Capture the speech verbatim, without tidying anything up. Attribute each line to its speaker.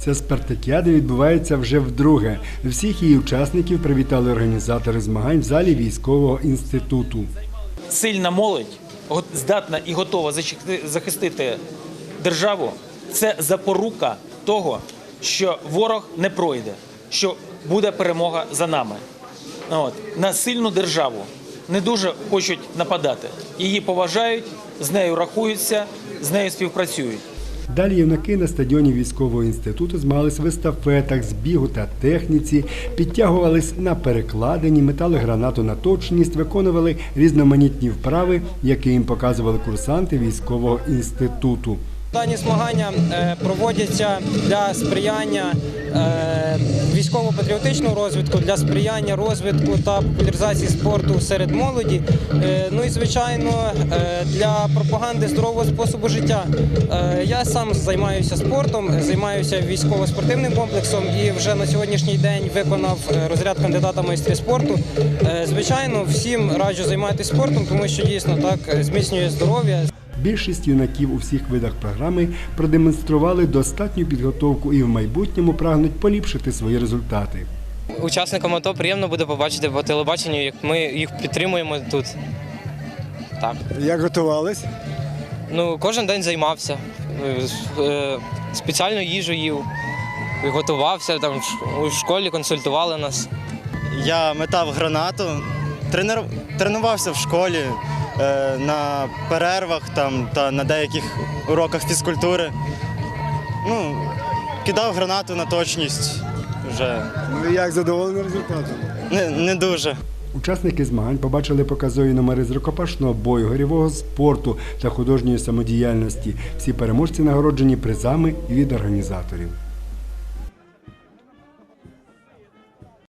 Speaker 1: Ця спартакіада відбувається вже вдруге. Всіх її учасників привітали організатори змагань в залі військового інституту.
Speaker 2: Сильна молодь, здатна і готова захистити державу – це запорука того, що ворог не пройде, що буде перемога за нами. От. На сильну державу не дуже хочуть нападати. Її поважають, з нею рахуються, з нею співпрацюють.
Speaker 1: Далі юнаки на стадіоні військового інституту змагались в естафетах, з бігу та техніці, підтягувались на перекладині, метали гранату на точність, виконували різноманітні вправи, які їм показували курсанти військового інституту.
Speaker 3: Дані змагання проводяться для сприяння військово-патріотичного розвитку, для сприяння розвитку та популяризації спорту серед молоді, ну і, звичайно, для пропаганди здорового способу життя. Я сам займаюся спортом, займаюся військово-спортивним комплексом і вже на сьогоднішній день виконав розряд кандидата в майстри спорту. Звичайно, всім раджу займатися спортом, тому що дійсно так зміцнює здоров'я.
Speaker 1: Більшість юнаків у всіх видах програми продемонстрували достатню підготовку і в майбутньому прагнуть поліпшити свої результати.
Speaker 4: Учасникам АТО приємно буде побачити по телебаченню, як ми їх підтримуємо тут. Так.
Speaker 1: Як готувались?
Speaker 4: Ну, кожен день займався, спеціальну їжу їв, готувався, там у школі консультували нас.
Speaker 5: Я метав гранату, тренер... тренувався в школі, на перервах там, та на деяких уроках фізкультури. Ну, кидав гранату на точність вже.
Speaker 1: Ну, як задоволений результатом?
Speaker 5: Не, не дуже.
Speaker 1: Учасники змагань побачили показові номери з рукопашного бою, гирьового спорту та художньої самодіяльності. Всі переможці нагороджені призами від організаторів.